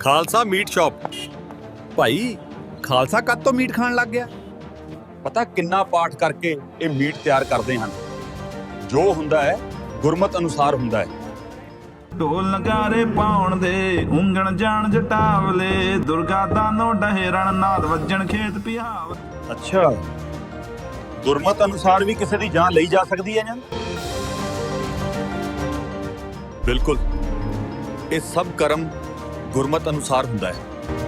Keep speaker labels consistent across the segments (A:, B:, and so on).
A: Khalsa meat shop.
B: ਭਾਈ ਖਾਲਸਾ ਕਦ ਤੋਂ ਮੀਟ ਖਾਣ ਲੱਗ ਗਿਆ?
A: ਪਤਾ ਕਿੰਨਾ ਪਾਠ ਕਰਕੇ ਇਹ ਮੀਟ ਤਿਆਰ ਕਰਦੇ ਹਨ। ਜੋ ਹੁੰਦਾ ਹੈ ਗੁਰਮਤ ਅਨੁਸਾਰ ਹੁੰਦਾ ਹੈ।
C: ਢੋਲ ਨਗਾਰੇ ਪਾਉਣ ਦੇ ਉਂਗਣ ਜਾਣ ਜਟਾਵਲੇ, ਦੁਰਗਾ ਦਾਨੋ ਡਹੇ ਰਣ ਨਾਦ ਵੱਜਣ ਖੇਤ ਪਿਹਾਵ।
A: ਅੱਛਾ, ਗੁਰਮਤ ਅਨੁਸਾਰ ਵੀ ਕਿਸੇ ਦੀ ਜਾਨ ਲਈ ਜਾ ਸਕਦੀ ਹੈ ਨਾ? ਬਿਲਕੁਲ, ਇਹ ਸਭ ਕਰਮ ਗੁਰਮਤ ਅਨੁਸਾਰ ਹੁੰਦਾ ਹੈ।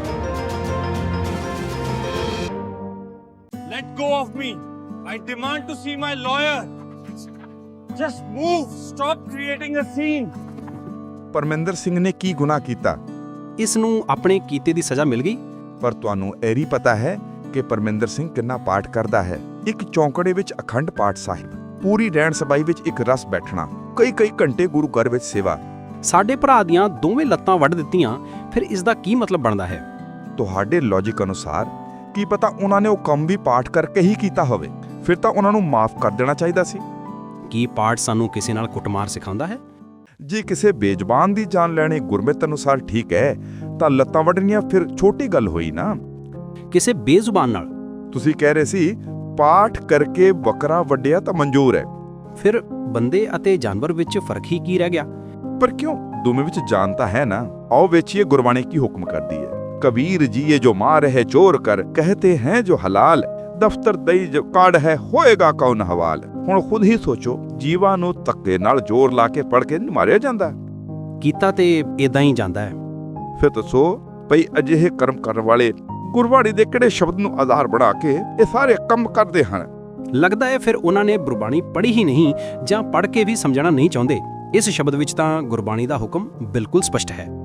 D: Let go of me. I demand to see my lawyer. Just move. Stop creating a scene.
E: Parminder Singh ਨੇ ਕੀ ਗੁਨਾਹ ਕੀਤਾ?
F: ਇਸ ਨੂੰ ਆਪਣੇ ਕੀਤੇ ਦੀ ਸਜ਼ਾ ਮਿਲ ਗਈ।
E: ਪਰ ਤੁਹਾਨੂੰ ਇਹ ਵੀ ਪਤਾ ਹੈ ਕਿ ਪਰਮਿੰਦਰ ਸਿੰਘ ਕਿੰਨਾ ਪਾਠ ਕਰਦਾ ਹੈ। ਇੱਕ ਚੌਂਕੜੇ ਵਿੱਚ ਅਖੰਡ ਪਾਠ ਸਾਹਿਬ, ਪੂਰੀ ਰਹਿਣ ਸਬਾਈ ਵਿੱਚ ਇੱਕ ਰਸ ਬੈਠਣਾ, ਕਈ ਘੰਟੇ ਗੁਰੂ ਘਰ ਵਿੱਚ ਸੇਵਾ।
F: ਸਾਡੇ ਭਰਾ ਦੀਆਂ ਦੋਵੇਂ ਲੱਤਾਂ ਵੱਢ ਦਿੱਤੀਆਂ, ਫਿਰ ਇਸ ਦਾ ਕੀ ਮਤਲਬ ਬਣਦਾ ਹੈ?
E: ਤੁਹਾਡੇ ਲੌਜੀਕ ਅਨੁਸਾਰ ਕੀ ਪਤਾ ਉਹਨਾਂ ਨੇ ਉਹ ਕੰਮ ਵੀ ਪਾਠ ਕਰਕੇ ਹੀ ਕੀਤਾ ਹੋਵੇ, ਫਿਰ ਤਾਂ ਉਹਨਾਂ ਨੂੰ ਮਾਫ ਕਰ ਦੇਣਾ ਚਾਹੀਦਾ ਸੀ।
F: ਕੀ ਪਾਠ ਸਾਨੂੰ ਕਿਸੇ ਨਾਲ ਕੁੱਟਮਾਰ ਸਿਖਾਉਂਦਾ ਹੈ?
E: ਜੇ ਕਿਸੇ ਬੇਜ਼ਬਾਨ ਦੀ ਜਾਨ ਲੈਣੀ ਗੁਰਮਤ ਅਨੁਸਾਰ ਠੀਕ ਹੈ ਤਾਂ ਲੱਤਾਂ ਵੱਢਣੀਆਂ ਫਿਰ ਛੋਟੀ ਗੱਲ ਹੋਈ ਨਾ।
F: ਕਿਸੇ ਬੇਜ਼ੁਬਾਨ ਨਾਲ?
E: ਤੁਸੀਂ ਕਹਿ ਰਹੇ ਸੀ ਪਾਠ ਕਰਕੇ ਬੱਕਰਾ ਵੱਢਿਆ ਤਾਂ ਮਨਜ਼ੂਰ ਹੈ।
F: ਫਿਰ ਬੰਦੇ ਅਤੇ ਜਾਨਵਰ ਵਿੱਚ ਫਰਕ ਹੀ ਕੀ ਰਹਿ ਗਿਆ?
E: ਪਰ ਕਿਉਂ, ਦੋਵੇਂ ਵਿੱਚ ਜਾਨ ਤਾਂ ਹੈ ਨਾ। ਆਓ ਵੇਖੀਏ ਗੁਰਬਾਣੀ ਕੀ ਹੁਕਮ ਕਰਦੀ ਹੈ। कबीर जी ये जो मार है चोर कर, कहते हैं जो हलाल, दफ्तर दई जो काढ़ है होएगा कौन हवाल। ਹੁਣ ਖੁਦ ਹੀ ਸੋਚੋ, ਜੀਵਾਂ ਨੂੰ ਧੱਕੇ ਨਾਲ ਜ਼ੋਰ ਲਾ ਕੇ ਪੜ ਕੇ ਮਾਰਿਆ ਜਾਂਦਾ?
F: ਕੀਤਾ ਤੇ ਇਦਾਂ ਹੀ ਜਾਂਦਾ ਹੈ।
E: ਫਿਰ ਦੱਸੋ ਭਈ ਅਜਿਹੇ ਕਰਮ ਕਰਨ ਵਾਲੇ ਗੁਰਬਾਣੀ ਦੇ ਕਿਹੜੇ ਸ਼ਬਦ ਨੂੰ ਆਧਾਰ ਬਣਾ ਕੇ ਇਹ ਸਾਰੇ ਕੰਮ ਕਰਦੇ ਹਨ?
F: ਲੱਗਦਾ ਹੈ ਫਿਰ ਉਹਨਾਂ ਨੇ ਗੁਰਬਾਣੀ ਪੜ੍ਹੀ ਹੀ ਨਹੀਂ, ਜਾਂ ਪੜ੍ਹ ਕੇ ਵੀ ਸਮਝਣਾ ਨਹੀਂ ਚਾਹੁੰਦੇ। ਇਸ ਸ਼ਬਦ ਵਿੱਚ ਤਾਂ ਗੁਰਬਾਣੀ ਦਾ ਹੁਕਮ ਬਿਲਕੁਲ ਸਪਸ਼ਟ ਹੈ।